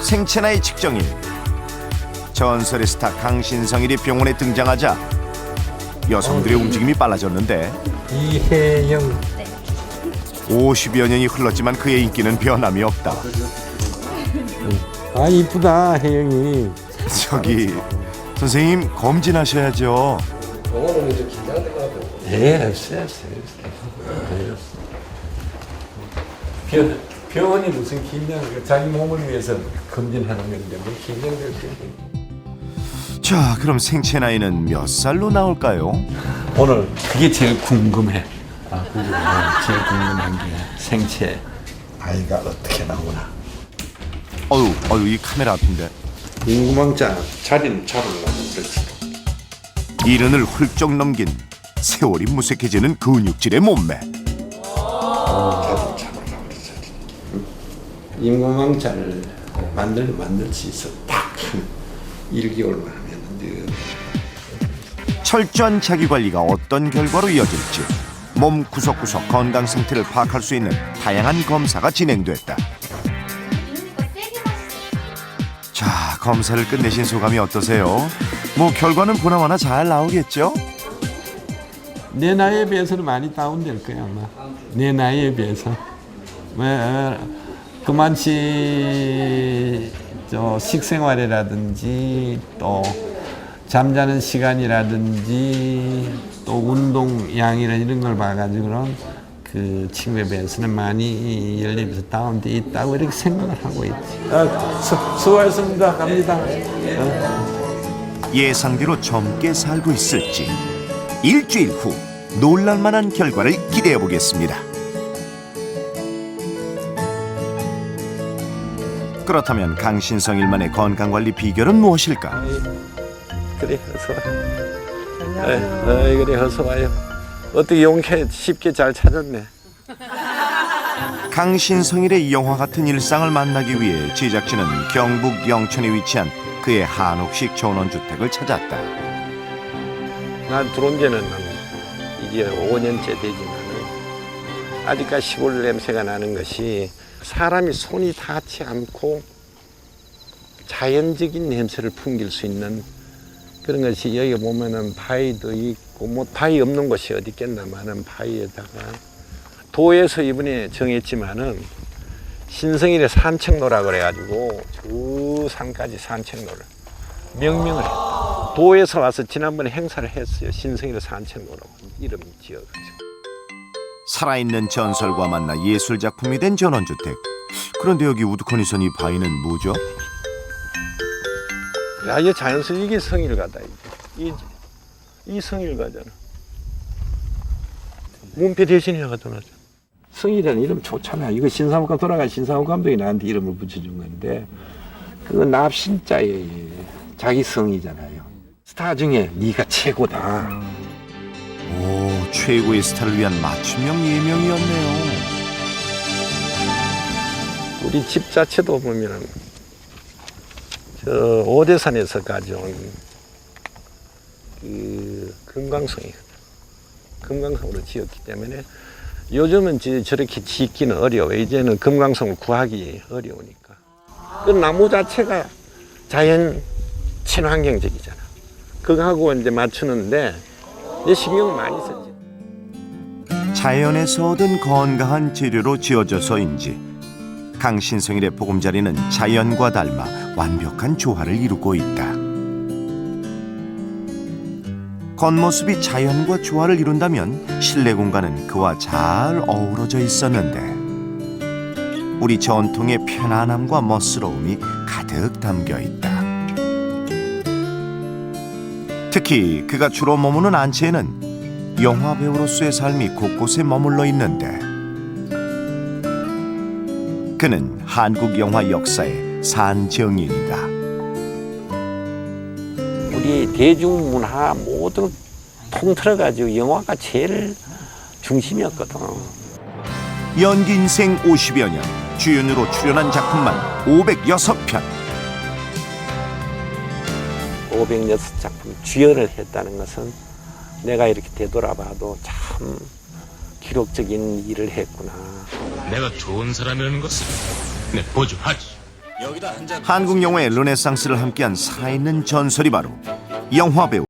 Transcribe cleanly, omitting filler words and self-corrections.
생체나이 측정일. 전설의 스타 강신성일이 병원에 등장하자 여성들의 움직임이 빨라졌는데 이혜영 50여 년이 흘렀지만 그의 인기는 변함이 없다. 아 이쁘다 혜영이. 저기 선생님 검진하셔야죠. 오늘은 좀 긴장될 것 같아요. 예, 없어요. 병원이 무슨 긴장? 자기 몸을 위해서 검진하는 건데 뭐 긴장될 게. 자, 그럼 생체 나이는 몇 살로 나올까요? 오늘 그게 제일 궁금해. 제일 궁금한 게 생체 아이가 어떻게 나오나. 어유, 이 카메라 앞인데. 궁금한 자리는 잡으려고 그렇지. 이른을 훌쩍 넘긴 세월이 무색해지는 근육질의 몸매. 인공망자를 만들 수 있어. 딱 한 1개월만 하면 늘. 철저한 자기관리가 어떤 결과로 이어질지 몸 구석구석 건강 상태를 파악할 수 있는 다양한 검사가 진행됐다. 자, 검사를 끝내신 소감이 어떠세요? 뭐 결과는 보나마나 잘 나오겠죠? 내 나이에 비해서는 많이 다운될 거야 아마. 내 나이에 비해서. 왜 그만치 식생활이라든지 또 잠자는 시간이라든지 또 운동량이나 이런 걸 봐가지고는 그 친구에 비해서는 많이 연립에서 다운돼 있다고 이렇게 생각을 하고 있지. 수고하셨습니다. 갑니다. 예상대로 젊게 살고 있을지 일주일 후 놀랄만한 결과를 기대해 보겠습니다. 그렇다면 강신성일만의 건강관리 비결은 무엇일까? 그래 어서 와요. 그래 어서 와요. 어떻게 용케 쉽게 잘 찾았네. 강신성일의 영화 같은 일상을 만나기 위해 제작진은 경북 영천에 위치한 그의 한옥식 전원주택을 찾았다. 난 들어온 지는 이제 5년째 되지만 아직까지 시골 냄새가 나는 것이 사람이 손이 닿지 않고 자연적인 냄새를 풍길 수 있는 그런 것이 여기 보면은 바위도 있고 뭐 바위 없는 곳이 어디 있겠나마는 바위에다가 도에서 이번에 정했지만은 신성일의 산책로라 그래가지고 저 산까지 산책로를 명명을 했다. 도에서 와서 지난번에 행사를 했어요. 신성일의 산책로라고 이름 지어가지고. 살아있는 전설과 만나 예술작품이 된 전원주택. 그런데 여기 우두커니 이 바위는 뭐죠? 야, 이게 자연스레 이게 성일가다. 이 성일가잖아. 문패 대신에 가잖아. 성일이라는 이름 좋잖아. 이거 신사옥감 돌아간 신사옥 감독이 나한테 이름을 붙여준 건데 그거 납신자의 자기 성이잖아요. 스타 중에 네가 최고다. 오, 최고의 스타를 위한 맞춤형 예명이었네요. 우리 집 자체도 보면은 저 오대산에서 가져온 그 금강성이거든. 금강성으로 지었기 때문에 요즘은 저렇게 짓기는 어려워. 이제는 금강성을 구하기 어려우니까. 그 나무 자체가 자연 친환경적이잖아. 그거하고 이제 맞추는데 내 신경을 많이 썼지. 자연에서 얻은 건강한 재료로 지어져서인지 강신성일의 보금자리는 자연과 닮아 완벽한 조화를 이루고 있다. 겉모습이 자연과 조화를 이룬다면 실내 공간은 그와 잘 어우러져 있었는데 우리 전통의 편안함과 멋스러움이 가득 담겨 있다. 특히 그가 주로 머무는 안채에는 영화 배우로서의 삶이 곳곳에 머물러 있는데 그는 한국 영화 역사의 산정인이다. 우리 대중문화 모두 통틀어가지고 영화가 제일 중심이었거든. 연기 인생 50여 년, 주연으로 출연한 작품만 506편. 506작품 주연을 했다는 것은 내가 이렇게 되돌아봐도 참 기록적인 일을 했구나. 내가 좋은 사람이라는 것을 내 보증하지. 한국 영화의 르네상스를 함께한 살아있는 전설이 바로 영화배우